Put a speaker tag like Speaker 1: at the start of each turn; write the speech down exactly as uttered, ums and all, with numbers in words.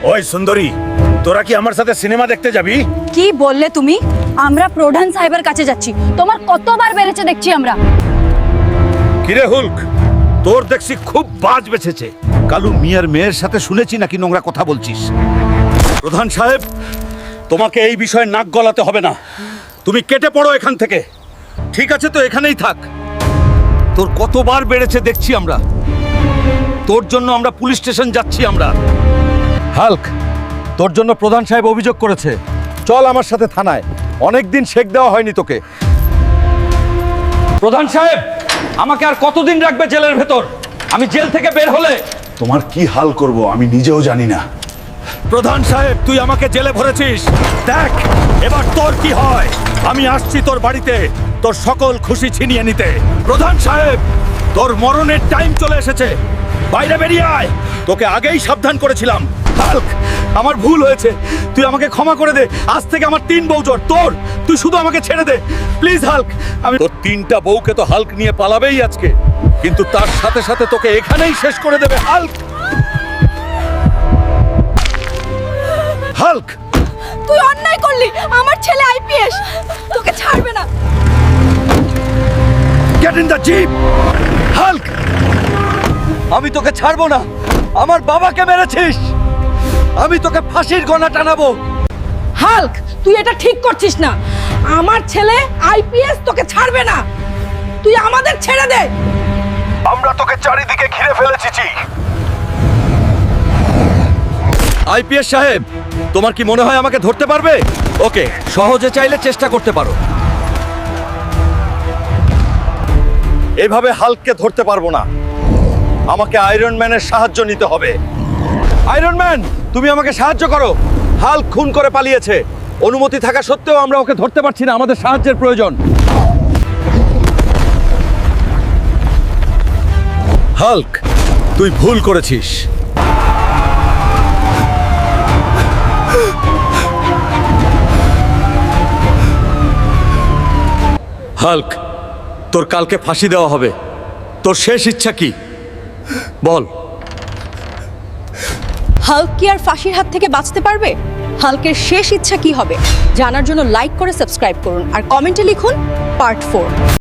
Speaker 1: ওই সুন্দরী, তোরা কি আমার সাথে সিনেমা দেখতে যাবি?
Speaker 2: কি বললে তুমি? আমরা প্রধান সাহেবের কাছে যাচ্ছি। তোমার কতবার বেড়েছে দেখছি আমরা।
Speaker 1: কিরে হুলক, তোর দেখছি খুব বাজ বেঁচেছে। কালু মিয়ার মেয়ের সাথে শুনেছি নাকি নোংরা কথা বলছিস। প্রধান সাহেব, তোমাকে এই বিষয়ে নাক গলাতে হবে না। তুমি কেটে পড়ো এখান থেকে। ঠিক আছে তো, এখানেই থাক। তোর কতবার বেড়েছে দেখছি আমরা। তোর জন্য আমরা পুলিশ স্টেশন যাচ্ছি আমরা। হাল্ক, তোর জন্য প্রধান সাহেব অভিযোগ করেছে। চল আমার সাথে থানায়। অনেকদিন শেক দেওয়া হয়নি তোকে। প্রধান সাহেব, আমাকে আর কতদিন রাখবে জেলের ভেতর? আমি জেল থেকে বের হলে
Speaker 3: তোমার কি হাল করব আমি নিজেও জানি না।
Speaker 1: প্রধান সাহেব, তুই আমাকে জেলে ভরেছিস। দেখ এবার তোর কি হয়। আমি আসছি তোর বাড়িতে তোর সকল খুশি ছিনিয়ে নিতে। প্রধান সাহেব, তোর মরণের টাইম চলে এসেছে। বাইরে বেরিয়ে আয়। তোকে আগেই সাবধান করেছিলাম। হাল্ক, আমার ভুল হয়েছে। তুই আমাকে ক্ষমা করে দে। আজ থেকে আমার তিন বউ জোর তোর। তুই শুধু আমাকে ছেড়ে দে প্লিজ হাল্ক। আমি তোর তিনটা বউকে তো হাল্ক নিয়ে পালাবেই আজকে, কিন্তু তার সাথে সাথে তোকে এখানেই শেষ করে দেবে হাল্ক। হাল্ক,
Speaker 2: তুই অন্যায় করলি। আমার ছেলে আইপিএস, তোকে ছাড়বে না।
Speaker 1: Get in the jeep. Hulk, আমি তোকে ছাড়বো না। আমার বাবাকে মেরেছিস। আমি তোকে ফাঁসির গলা টানাবো।
Speaker 2: হাল্ক, তুই এটা ঠিক করছিস না। আমার ছেলে আইপিএস, তোকে ছাড়বে না। তুই আমাদের ছেড়ে দে।
Speaker 1: আমরা তোকে চারিদিকে ঘিরে ফেলেছি। আইপিএস সাহেব, তোমার কি মনে হয় আমাকে ধরতে পারবে? ওকে, সহজে চাইলে চেষ্টা করতে পারো। এভাবে হাল্ককে ধরতে পারবো না। আমাকে আয়রন ম্যানের সাহায্য নিতে হবে। আয়রন ম্যান, তুমি আমাকে সাহায্য করো। হাল্ক খুন করে পালিয়েছে। অনুমতি থাকা সত্ত্বেও আমরা ওকে ধরতে পারছি না। আমাদের সাহায্যের প্রয়োজন। হাল্ক, তুই ভুল করেছিস। হাল্ক, তোর কালকে ফাঁসি দেওয়া হবে। তোর শেষ ইচ্ছা কি বল?
Speaker 2: হাল্ক কি আর ফাঁসির হাত থেকে বাঁচতে পারবে? হাল্কের শেষ ইচ্ছা কি হবে জানার জন্য লাইক করে সাবস্ক্রাইব করুন আর কমেন্টে লিখুন পার্ট ফোর।